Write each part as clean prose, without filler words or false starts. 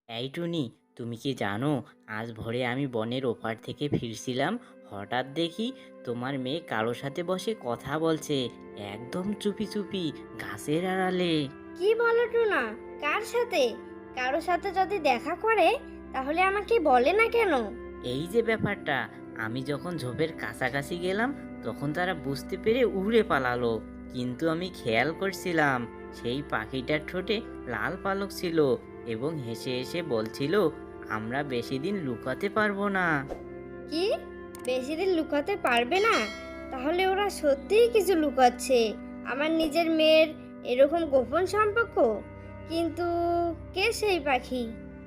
এই টুনি, তুমি কি জানো আজ ভোরে আমি বনের ওপার থেকে ফিরছিলাম, হঠাৎ দেখি তোমার মেয়ে কারো সাথে বসে কথা বলছে, একদম চুপি চুপি গাছের আড়ালে। কি বলো টুনা? কার সাথে? কারো সাথে যদি দেখা করে তাহলে আমাকে বলে না কেন? এই যে ব্যাপারটা, আমি যখন ঝোপের কাছাকাছি গেলাম তখন তারা বুঝতে পেরে উড়ে পালালো, কিন্তু আমি খেয়াল করছিলাম সেই পাখিটার ঠোঁটে লাল পালক ছিল এবং হেসে হেসে বলছিল, আমরা বেশি দিন লুকাতে পারবো না। কি? বেশি দিন লুকাতে পারবে না? তাহলে ওরা সত্যিই কিছু লুকাচ্ছে, আমার নিজের মেয়ের এরকম গোপন সম্পর্ক। কিন্তু কে সেই পাখি?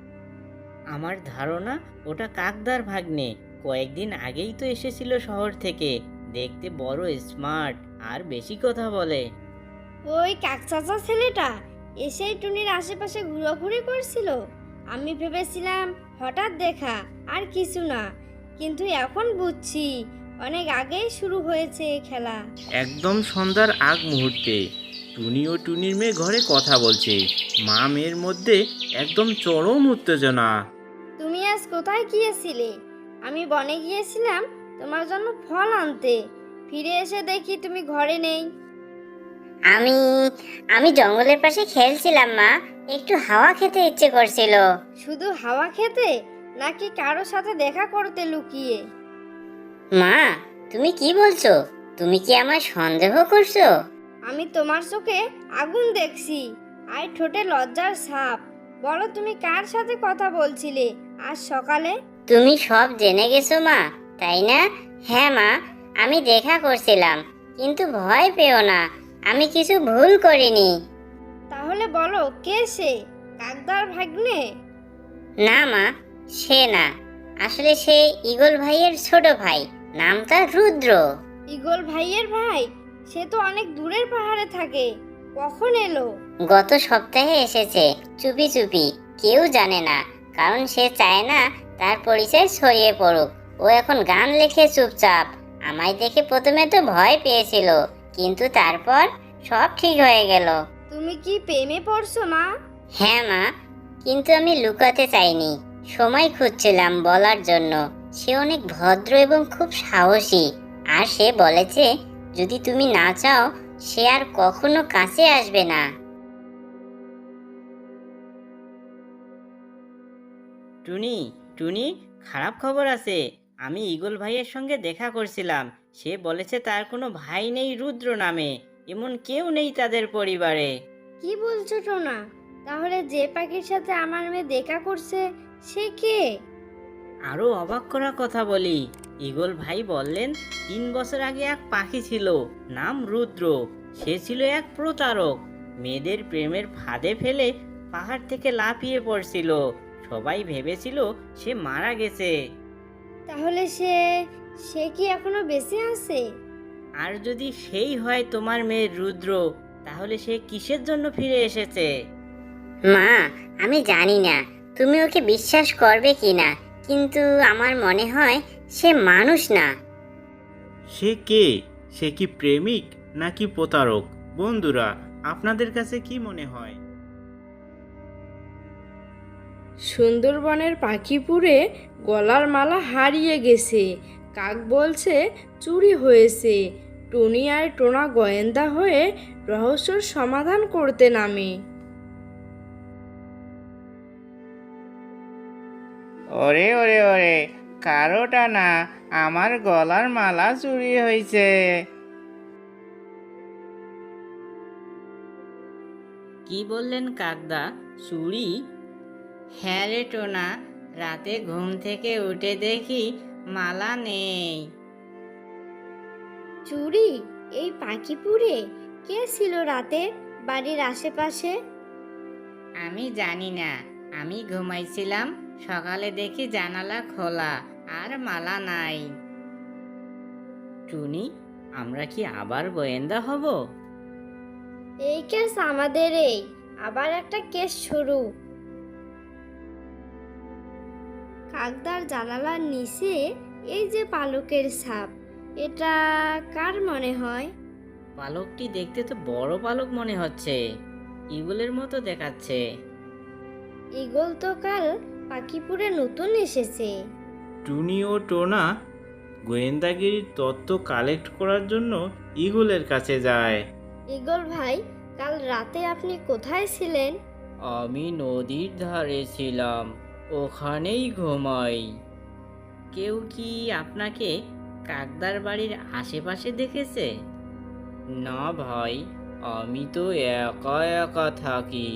আমার ধারণা ওটা কাকদার ভাগ্নে, কয়েকদিন আগেই তো এসেছিল শহর থেকে, দেখতে বড় স্মার্ট আর বেশি কথা বলে। ওই কাকচাচা ছেলেটা এসেই টুনির আশেপাশে ঘোরাঘুরি করছিল। আমি ভেবেছিলাম হঠাৎ দেখা, আর কিছু না। কিন্তু এখন বুঝছি অনেক আগেই শুরু হয়েছে এই খেলা। একদম সন্ধ্যার আগ মুহূর্তে টুনি ও টুনির মেয়ে ঘরে কথা বলছে। মা মেয়ের মধ্যে একদম চরম উত্তেজনা। তুমি আজ কোথায় গিয়েছিলে? আমি বনে গিয়েছিলাম তোমার জন্য ফল আনতে। ফিরে এসে দেখি তুমি ঘরে নেই। আমি আমি জঙ্গলের পাশে খেলছিলাম মা, একটু হাওয়া খেতে ইচ্ছে করছিল। শুধু হাওয়া খেতে, নাকি কারো সাথে দেখা করতে লুকিয়ে? মা, তুমি কি বলছো? তুমি কি আমায় সন্দেহ করছো? আমি তোমার চোখে আগুন দেখছি, আর ঠোঁটে লজ্জার ছাপ। বলো, তুমি কার সাথে কথা বলছিলে আজ সকালে? তুমি সব জেনে গেছো মা, তাই না? হ্যাঁ মা, আমি দেখা করছিলাম, কিন্তু ভয় পেও না, আমি কিছু ভুল করিনি। তাহলে বলো, কে সে? কাকদার ভাগ্নে? না মা, সে না। আসলে সে ঈগল ভাইয়ের ছোট ভাই, নাম তার রুদ্র। ইগল ভাইয়ের ভাই? সে তো অনেক দূরের পাহাড়ে থাকে। কখন এলো? গত সপ্তাহে এসেছে, চুপি চুপি, কেউ জানে না, কারণ সে চায় না তার পরিচয় ছড়িয়ে পড়ুক। ও এখন গান লেখে চুপচাপ। আমায় দেখে প্রথমে তো ভয় পেয়েছিল, কিন্তু তারপর সব ঠিক হয়ে গেল। তুমি কি প্রেমে পড়ছো মা? হ্যাঁ মা, কিন্তু আমি লুকাতে চাইনি, সময় খুঁজছিলাম বলার জন্য। সে অনেক ভদ্র এবং খুব সাহসী, আর সে বলেছে যদি তুমি না চাও সে আর কখনো কাছে আসবে না। টুনি, টুনি, খারাপ খবর আছে। আমি ঈগল ভাইয়ের সঙ্গে দেখা করছিলাম, সে বলেছে তার কোনো ভাই নেই রুদ্র নামে, এমন কেউ নেই তাদের পরিবারে। কি বলছো টোনা? তাহলে যে পাখির সাথে আমার মেয়ে দেখা করছে, সে কে? আরো অবাক করা কথা বলি, ঈগল ভাই বললেন 3 বছর আগে এক পাখি ছিল, নাম রুদ্র। সে ছিল এক প্রতারক, মেয়েদের প্রেমের ফাঁদে ফেলে পাহাড় থেকে লাফিয়ে পড়ছিল। সবাই ভেবেছিল সে মারা গেছে। তাহলে সে সে কি এখনো বেঁচে আছে? আর যদি সেই হয় তোমার মেয়ে রুদ্র, তাহলে সে কিসের জন্য ফিরে এসেছে? মা, আমি জানি না তুমি ওকে বিশ্বাস করবে কিনা, কিন্তু আমার মনে হয় সে মানুষ না। সে কে? সে কি প্রেমিক নাকি প্রতারক? বন্ধুরা, আপনাদের কাছে কি মনে হয়? সুন্দরবনের পাখিপুরে গলার মালা হারিয়ে গেছে, কাক বলছে চুরি হয়েছে। টুনি আর টোনা গোয়েন্দা হয়ে রহস্যর সমাধান করতে নামে। ওরে ওরে ওরে, কারোটা না, আমার গলার মালা চুরি হয়েছে। কি বললেন কাকদা, চুরি? হ্যাঁ রে টোনা, রাতে ঘুম থেকে উঠে দেখি মালা নেই। চুরি? এই পাখিপুরে কে ছিল রাতে বাড়ির আশেপাশে? আমি জানি না, আমি ঘুমাইছিলাম, সকালে দেখি জানালা খোলা আর মালা নাই। টুনি, আমরা কি আবার গোয়েন্দা হব? এই কেস আমাদের, এই আবার একটা কেস শুরু। কাকদার জানালার নিচে এই যে পালকের ছাপ, এটা কার মনে হয়? পালকটি দেখতে তো বড় পালক মনে হচ্ছে, ইগলের মতো দেখাচ্ছে। ঈগল তো কাল পাখিপুরে নতুন এসেছে। টুনি ও টোনা গোয়েন্দাগিরির তত্ত্ব কালেক্ট করার জন্য ঈগলের কাছে যায়। ঈগল ভাই, কাল রাতে আপনি কোথায় ছিলেন? আমি নদীর ধারে ছিলাম, ওখানেই ঘুমাই। কেউ কি আপনাকে কাকদার বাড়ির আশেপাশে দেখেছে? না ভাই, আমি তো একা একা থাকি।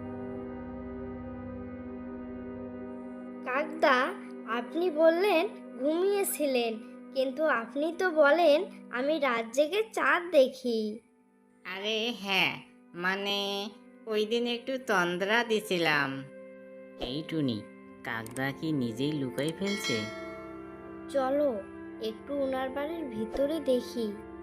কাকদা, আপনি বললেন ঘুমিয়েছিলেন, কিন্তু আপনি তো বলেন আমি রাত জেগে চাঁদ দেখি। আরে হ্যাঁ, মানে ওই দিন একটু তন্দ্রা দিছিলাম। এই টুনি, কাকদা কি নিজেই লুকাই ফেলছে? চলো একটু ওনার বাড়ির ভিতরে দেখি।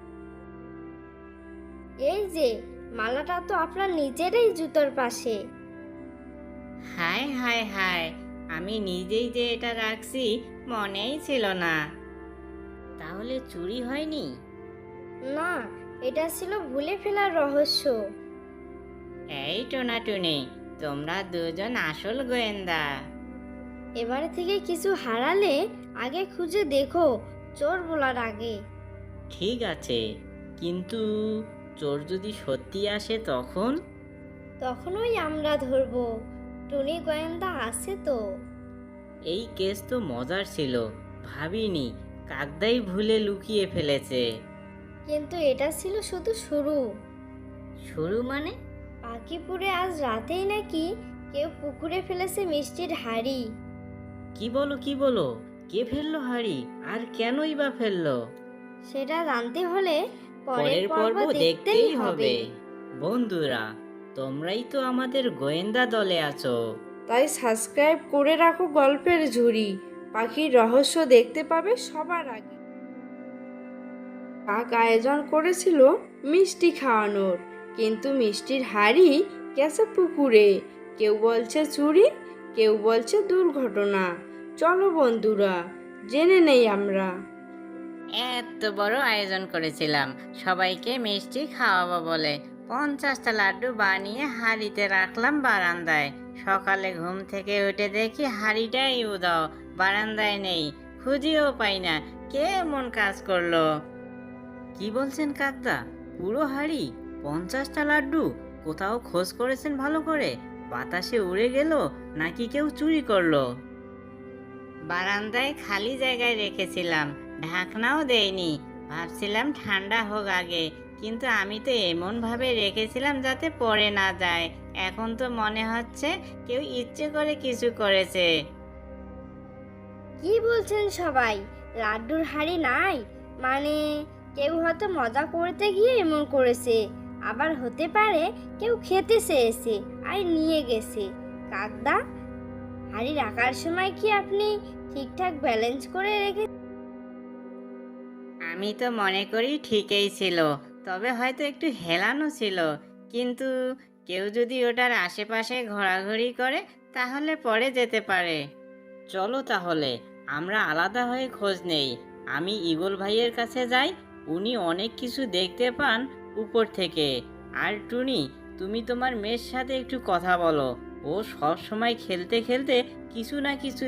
এই যে, মালাটা তো আপনার নিজেরই জুতোর পাশে। হায় হায় হায়, আমি নিজেই যে এটা রাখছি মনেই ছিল না। তাহলে চুরি হয়নি? না, এটা ছিল ভুলে ফেলার রহস্য। এই টোনা টুনি, তোমরা দুজন আসল গোয়েন্দা। এবার থেকে কিছু হারালে আগে খুঁজে দেখো, চোর বলার আগে। ঠিক আছে, কিন্তু চোর যদি সত্যি আসে তখন? তখনই আমরা ধরবো। টুনি গোয়েন্দা আছে তো। এই কেস তো মজার ছিল, ভাবিনি কাকদাই ভুলে লুকিয়ে ফেলেছে। কিন্তু এটা ছিল শুধু শুরু। শুরু মানে? পাখিপুরে আজ রাতেই নাকি কেউ পুকুরে ফেলেছে মিষ্টির হাড়ি। কি বলো কি বলো, কে ফেললো হাড়ি, আর কেনই বা ফেললো? সেটা জানতে হলে পরের পর্ব দেখতেই হবে। বন্ধুরা, তোমরাই তো আমাদের গোয়েন্দা দলে আছো। তাই সাবস্ক্রাইব করে রাখো গল্পের ঝুড়ি। পাখির রহস্য দেখতে পাবে সবার আগে। কাক আয়োজন করেছিল মিষ্টি খাওয়ানোর, কিন্তু মিষ্টির হাড়ি গেছে পুকুরে। কেউ বলছে চুরি, কেউ বলছে দুর্ঘটনা। চলো বন্ধুরা, জেনে নেই আমরা। এত বড় আয়োজন করেছিলাম সবাইকে মিষ্টি খাওয়াবো বলে, 50টা লাড্ডু বানিয়ে হাঁড়িতে রাখলাম বারান্দায়। সকালে ঘুম থেকে উঠে দেখি হাঁড়িটাই উধাও, বারান্দায় নেই, খুঁজেও পাই না। কে এমন কাজ করলো? কি বলছেন কাকদা, পুরো হাঁড়ি, 50টা লাড্ডু? কোথাও খোঁজ করেছেন ভালো করে? বাতাসে উড়ে গেল নাকি কেউ চুরি করলো? বারান্দায় খালি জায়গায় রেখেছিলাম, ঢাকনাও দেইনি। ভাবছিলাম ঠান্ডা হোক আগে, কিন্তু আমি তো এমন ভাবে রেখেছিলাম যাতে পড়ে না যায়। এখন তো মনে হচ্ছে কেউ ইচ্ছে করে কিছু করেছে। কি বলছেন সবাই? লাড্ডুর হাড়ি নাই? মানে কেউ হয়তো মজা করতে গিয়ে এমন করেছে, আবার হতে পারে কেউ খেতে চেয়েছে আর নিয়ে গেছে। কাকদা, হাড়ি রাখার সময় কি আপনি ঠিকঠাক ব্যালেন্স করে রেখে? আমি তো মনে করি ঠিকই ছিল, তবে হয়তো একটু হেলানো ছিল। কিন্তু কেউ যদি ওটার আশেপাশে ঘোরাঘুরি করে তাহলে পড়ে যেতে পারে। চলো তাহলে আমরা আলাদা হয়ে খোঁজ নেই। আমি ঈগল ভাইয়ের কাছে যাই, উনি অনেক কিছু দেখতে পান উপর থেকে। আর টুনি, তুমি তোমার মেয়ের সাথে একটু কথা বলো, ও সব সময় খেলতে খেলতে কিছু না কিছু।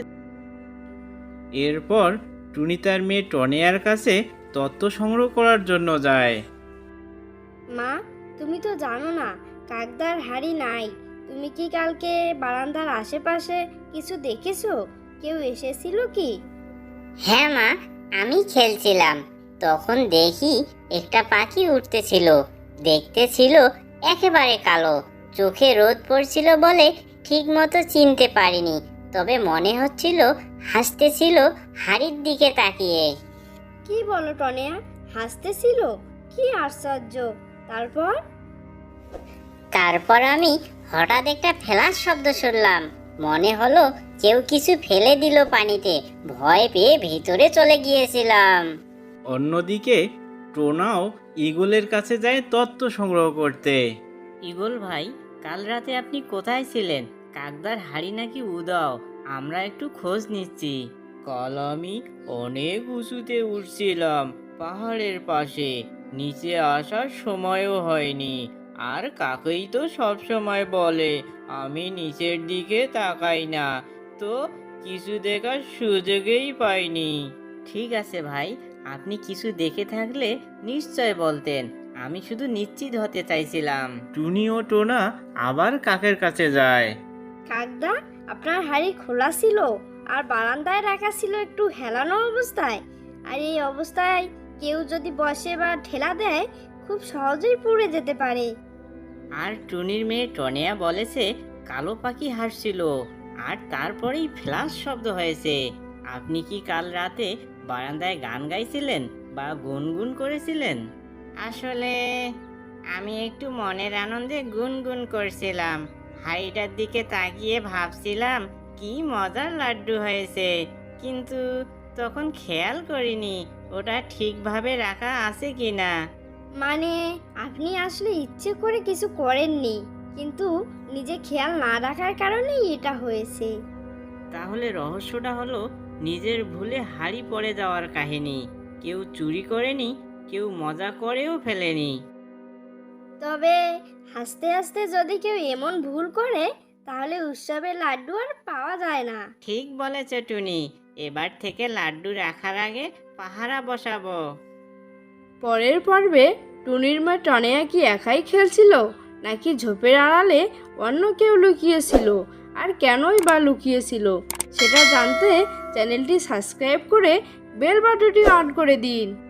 এরপর টুনি তার মেয়ে টনিয়ার কাছে তত্ত্ব সংগ্রহ করার জন্য যায়। মা, তুমি তো জানো না কাকদার হাড়ি নাই। তুমি কি কালকে বারান্দার আশেপাশে কিছু দেখেছো? কেউ এসেছিল কি? হ্যাঁ মা, আমি খেলছিলাম, তখন দেখি একটা পাখি উঠতেছিল। দেখতে ছিল একেবারে কালো, চোখে রোদ পড়ছিল বলে ঠিক মতো চিনতে পারিনি, তবে মনে হচ্ছিল হাসতেছিল হাড়ির দিকে তাকিয়ে। কি বলো টনিয়া, হাসতেছিল? কি আশ্চর্য! তারপর? তারপর আমি হঠাৎ একটা ফেলার শব্দ শুনলাম, মনে হলো কেউ কিছু ফেলে দিল পানিতে। ভয় পেয়ে ভিতরে চলে গিয়েছিলাম। অন্যদিকে টোনাও ঈগলের কাছে যায় তত্ত্ব সংগ্রহ করতে। ঈগল ভাই, কাল রাতে আপনি কোথায় ছিলেন? কাকদার হাড়ি নাকি উদাও, আমরা একটু খোঁজ নিচ্ছি। কাল আমি অনেক উঁচুতে উঠছিলাম, পাহাড়ের পাশে। নিচে আসার সময়ও হয়নি। আর কাকুই তো সব সময় বলে আমি নিচের দিকে তাকাই না, তো কিছু দেখার সুযোগই পাইনি। ঠিক আছে ভাই, আপনি কিছু দেখে থাকলে নিশ্চয় বলতেন, আমি শুধু নিশ্চিত হতে চাইছিলাম। টুনি ও টোনা আবার কাকের কাছে যায়। কাকদা, আপনার হাড়ি খোলা ছিল আর বারান্দায় রাখা ছিল একটু হেলানো অবস্থায়, আর এই অবস্থায় কেউ যদি বসে বা ঠেলা দেয় খুব সহজেই পুড়ে যেতে পারে। আর টুনির মেয়ে টনিয়া বলেছে কালো পাখি হাসছিল আর তারপরেই ফ্ল্যাশ শব্দ হয়েছে। আপনি কি কাল রাতে বারান্দায় গান গাইছিলেন বা গুনগুন করেছিলেন? আসলে আমি একটু মনের আনন্দে গুনগুন করছিলাম, হাড়িটার দিকে তাকিয়ে ভাবছিলাম কি মজার লাড্ডু হয়েছে, কিন্তু তখন খেয়াল করিনি ওটা ঠিকভাবে রাখা আছে কিনা। মানে আপনি আসলে ইচ্ছে করে কিছু করেননি, কিন্তু নিজে খেয়াল না রাখার কারণেই এটা হয়েছে। তাহলে রহস্যটা হলো নিজের ভুলে হাড়ি পড়ে যাওয়ার কাহিনী। কেউ চুরি করেনি, কেউ মজা করেও ফেলেনি। তবে হাসতে হাসতে যদি কেউ এমন ভুল করে তাহলে উৎসবের লাড্ডু আর পাওয়া যায় না। ঠিক বলেছ টুনি, এবার থেকে লাড্ডু রাখার আগে পাহারা বসাবো। পরের পর্বে টুনির মা টনিয়া কি একাই খেলছিল নাকি ঝোপের আড়ালে অন্য কেউ লুকিয়েছিল, আর কেনই বা লুকিয়েছিল সেটা জানতে চ্যানেলটি সাবস্ক্রাইব করে বেল বাটনটি অন করে দিন।